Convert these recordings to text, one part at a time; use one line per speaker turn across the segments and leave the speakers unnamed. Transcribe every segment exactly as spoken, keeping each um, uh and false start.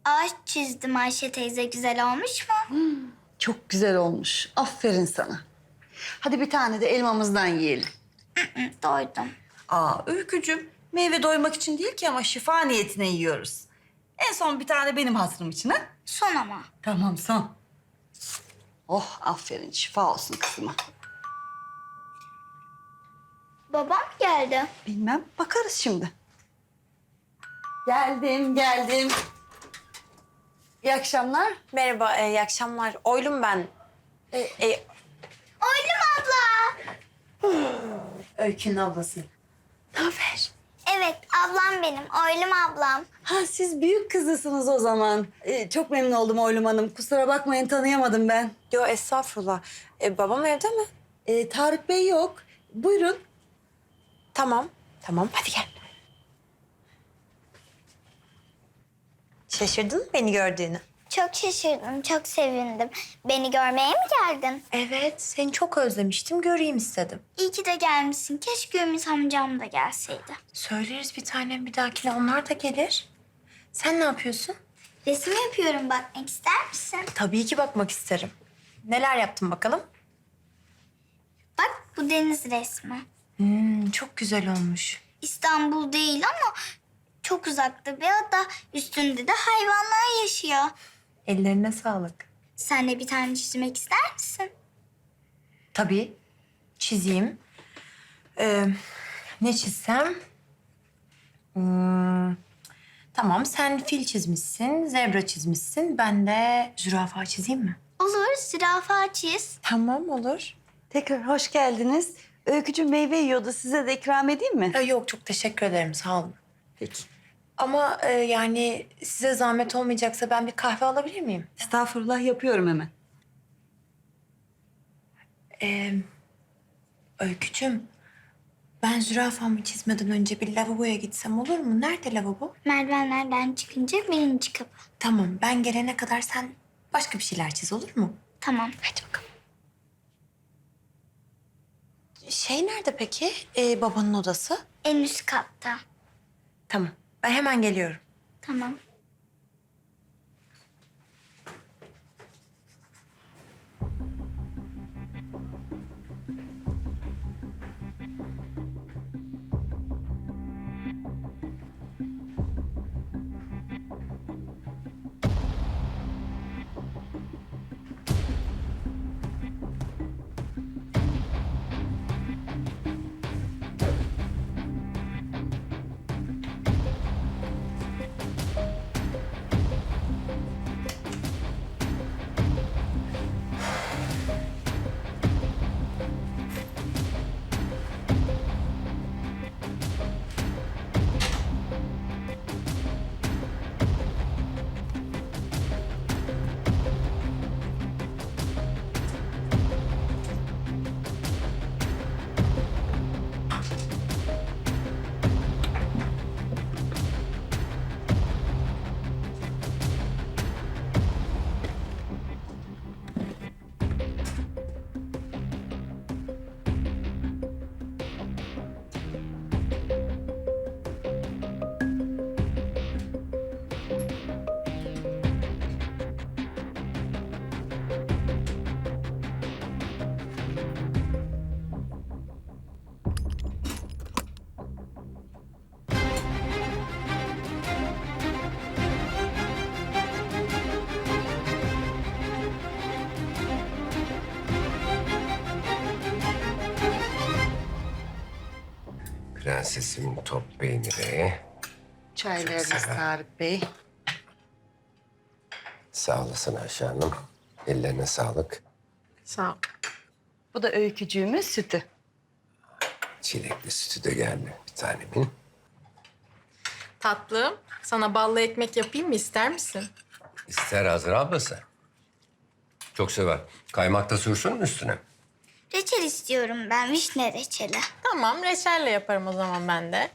ağaç çizdim Ayşe teyze. Güzel olmuş mu?
Çok güzel olmuş. Aferin sana. Hadi bir tane de elmamızdan yiyelim.
Hı, doydum.
Aa Öykücüğüm, meyve doymak için değil ki ama şifa niyetine yiyoruz. En son bir tane benim hatırım için ha?
Son ama.
Tamam son. Oh aferin, şifa olsun kızıma.
Babam geldi.
Bilmem, bakarız şimdi. Geldim, geldim. İyi akşamlar.
Merhaba, e, iyi akşamlar. Oylum ben. E, e,
Oylum abla.
Öykü'nün ablası. Ne haber?
Evet, ablam benim. Oylum ablam.
Ha siz büyük kızısınız o zaman. Ee, çok memnun oldum Oylum Hanım. Kusura bakmayın, tanıyamadım ben.
Yo, estağfurullah. E, babam evde mi?
Ee, Tarık Bey yok. Buyurun.
Tamam, tamam. Hadi gel. Şaşırdın mı beni gördüğünü?
Çok şaşırdım, çok sevindim. Beni görmeye mi geldin?
Evet, seni çok özlemiştim. Göreyim istedim.
İyi ki de gelmişsin. Keşke Ümit amcam da gelseydi.
Söyleriz bir tanem bir dahakine. Onlar da gelir. Sen ne yapıyorsun?
Resim yapıyorum, bakmak ister misin?
Tabii ki bakmak isterim. Neler yaptın bakalım?
Bak, bu deniz resmi.
Hmm, çok güzel olmuş.
İstanbul değil ama çok uzakta bir ada. Üstünde de hayvanlar yaşıyor.
Ellerine sağlık.
Sen de bir tane çizmek ister misin?
Tabii. Çizeyim. Ee, ne çizsem? Hmm, tamam, sen fil çizmişsin, zebra çizmişsin. Ben de zürafa çizeyim mi?
Olur, zürafa çiz.
Tamam, olur.
Tekrar hoş geldiniz. Öykücüğüm meyve yiyordu. Size de ikram edeyim mi?
Ee, yok, çok teşekkür ederim, sağ olun.
Peki.
Ama e, yani size zahmet olmayacaksa ben bir kahve alabilir miyim?
Estağfurullah, yapıyorum hemen.
Ee, Öykücüğüm, ben zürafamı çizmeden önce bir lavaboya gitsem olur mu? Nerede lavabo?
Merdivenlerden çıkınca birinci kapı.
Tamam, ben gelene kadar sen başka bir şeyler çiz, olur mu?
Tamam.
Hadi bakalım. Şey nerede peki? Ee, babanın odası?
En üst katta.
Tamam. Ben hemen geliyorum.
Tamam.
Prensesimin top peyniri.
Çaylarınız Tarık Bey.
Sağ olasın Ayşe Hanım. Ellerine sağlık.
Sağ ol.
Bu da Öykücüğümün sütü.
Çilekli sütü de geldi bir tanemin.
Tatlım, sana ballı ekmek yapayım mı, ister misin?
İster Azra ablası. Çok sever. Kaymak da sürsün mü üstüne?
Reçel istiyorum ben, vişne reçeli.
Tamam, reçelle yaparım o zaman ben de.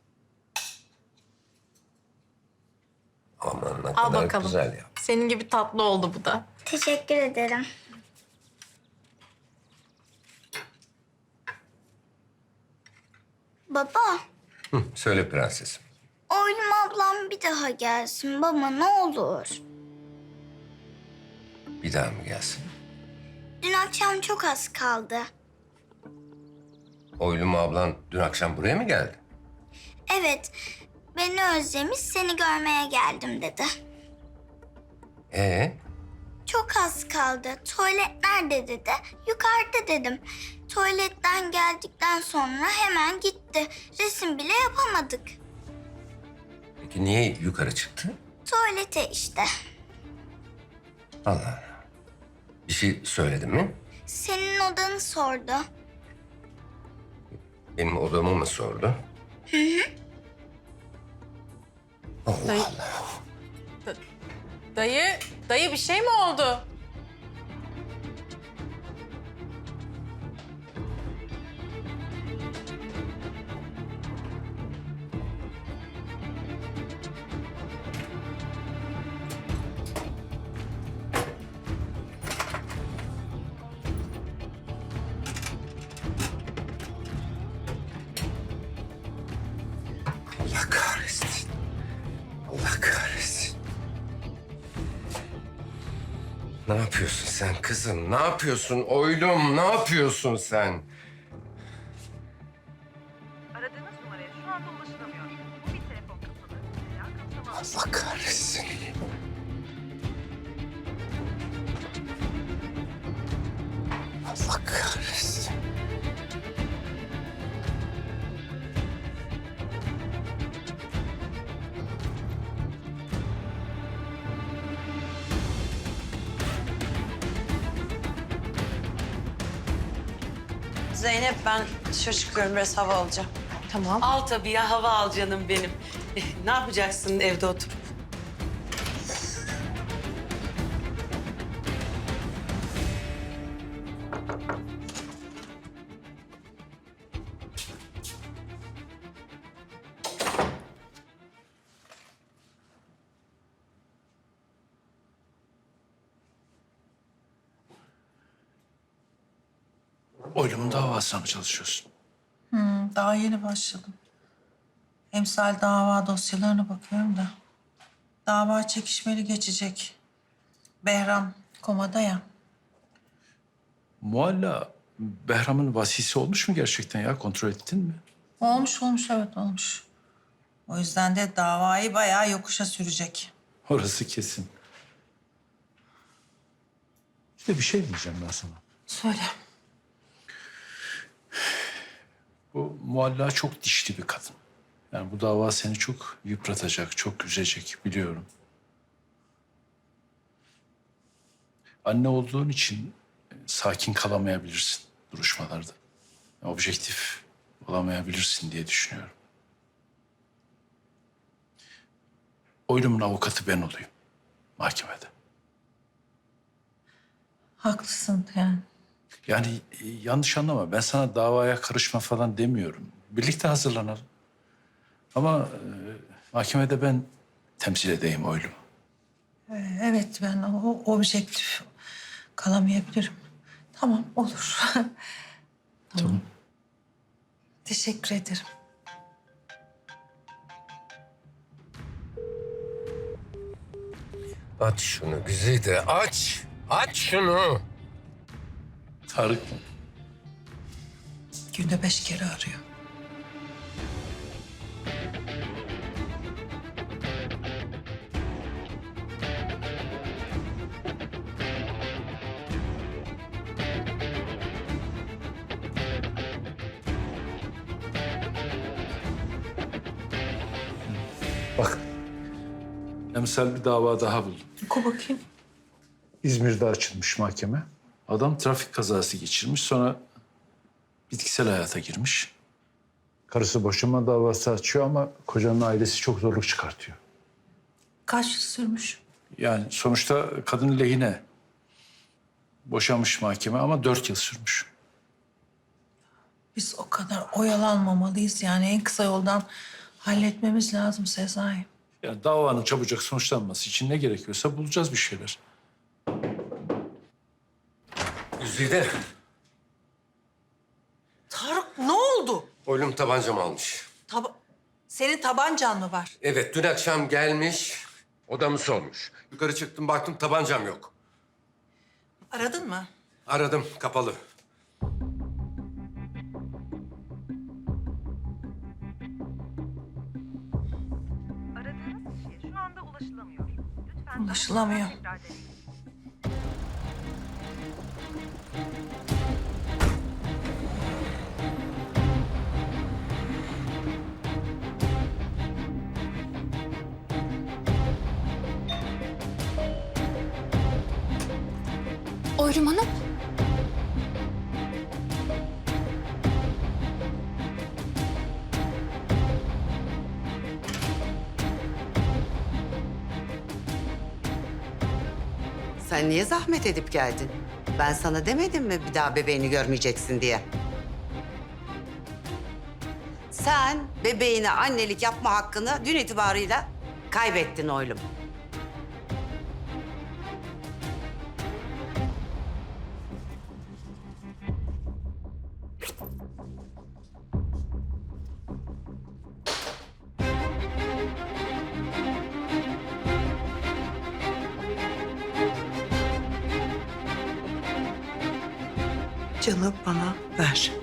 Aman ne
Al
kadar
bakalım.
güzel ya.
Senin gibi tatlı oldu bu da.
Teşekkür ederim. Baba,
Hı, söyle prensesim.
Oylum ablam bir daha gelsin baba ne olur.
Bir daha mı gelsin?
Dün akşam çok az kaldı.
Oylum ablan dün akşam buraya mı geldi?
Evet, beni özlemiş seni görmeye geldim dedi.
Ee,
Çok az kaldı. Tuvalet nerede dedi. Yukarıda dedim. Tuvaletten geldikten sonra hemen gitti. Resim bile yapamadık.
peki niye yukarı çıktı?
Tuvalete işte.
Allah Allah. Bir şey söyledin mi?
Senin odanı sordu.
Benim odamı mı sordu? Hı hı. Allah
Dayı,
Allah.
da- dayı, dayı bir şey mi oldu?
Allah kahretsin. Allah kahretsin. Ne yapıyorsun sen kızım? Ne yapıyorsun oylum? Ne yapıyorsun sen?
Aradığınız numaraya şu anda ulaşılamıyor. Bu bir telefon kapalı. Veya kapsama
Allah kahretsin. Allah kahretsin.
Zeynep ben dışarı çıkıyorum biraz hava alacağım.
Tamam.
Al tabii ya hava al canım benim. Eh, ne yapacaksın evde oturup?
Oylumun davasına mı çalışıyorsun?
Daha yeni başladım. Emsal dava dosyalarına bakıyorum da. Dava çekişmeli geçecek. Behram komada ya.
Mualla Behram'ın vasisi olmuş mu gerçekten ya? Kontrol ettin mi?
Olmuş olmuş evet olmuş. O yüzden de davayı bayağı yokuşa sürecek.
Orası kesin. İşte bir şey diyeceğim ben sana.
Söyle.
Bu Mualla çok dişli bir kadın. Yani bu dava seni çok yıpratacak, çok üzecek biliyorum. Anne olduğun için e, sakin kalamayabilirsin duruşmalarda. Objektif olamayabilirsin diye düşünüyorum. Oylumun avukatı ben olayım mahkemede.
Haklısın yani.
Yani e, yanlış anlama. Ben sana davaya karışma falan demiyorum. Birlikte hazırlanalım. Ama e, mahkemede ben temsil edeyim oylumu.
Ee, Evet ben o objektif kalamayabilirim. Tamam olur.
Tamam.
Teşekkür ederim.
Aç şunu Güzide aç. Aç şunu.
Tarık mı?
Günde beş kere arıyor.
Bak. Emsal bir dava daha buldum.
Oku bakayım.
İzmir'de açılmış mahkeme. Adam trafik kazası geçirmiş, sonra bitkisel hayata girmiş. Karısı boşanma davası açıyor ama kocanın ailesi çok zorluk çıkartıyor.
Kaç yıl sürmüş?
Yani sonuçta kadın lehine boşanmış mahkeme ama dört yıl sürmüş.
Biz o kadar oyalanmamalıyız yani en kısa yoldan halletmemiz lazım Sezai.
Yani davanın çabucak sonuçlanması için ne gerekiyorsa bulacağız bir şeyler.
Güzide.
Tarık ne oldu?
Oylum tabancamı almış.
Taba
Senin tabancan mı var?
Evet, dün akşam gelmiş, odamı sormuş. Yukarı çıktım, baktım tabancam yok.
Aradın mı?
Aradım, kapalı.
Aradığınız kişiye şu anda ulaşılamıyor. Lütfen daha
Ulaşılamıyor.
sonra tekrar deneyin.
Oylum Hanım.
Sen niye zahmet edip geldin? Ben sana demedim mi bir daha bebeğini görmeyeceksin diye? Sen bebeğine annelik yapma hakkını dün itibarıyla kaybettin oğlum. Canı bana ver.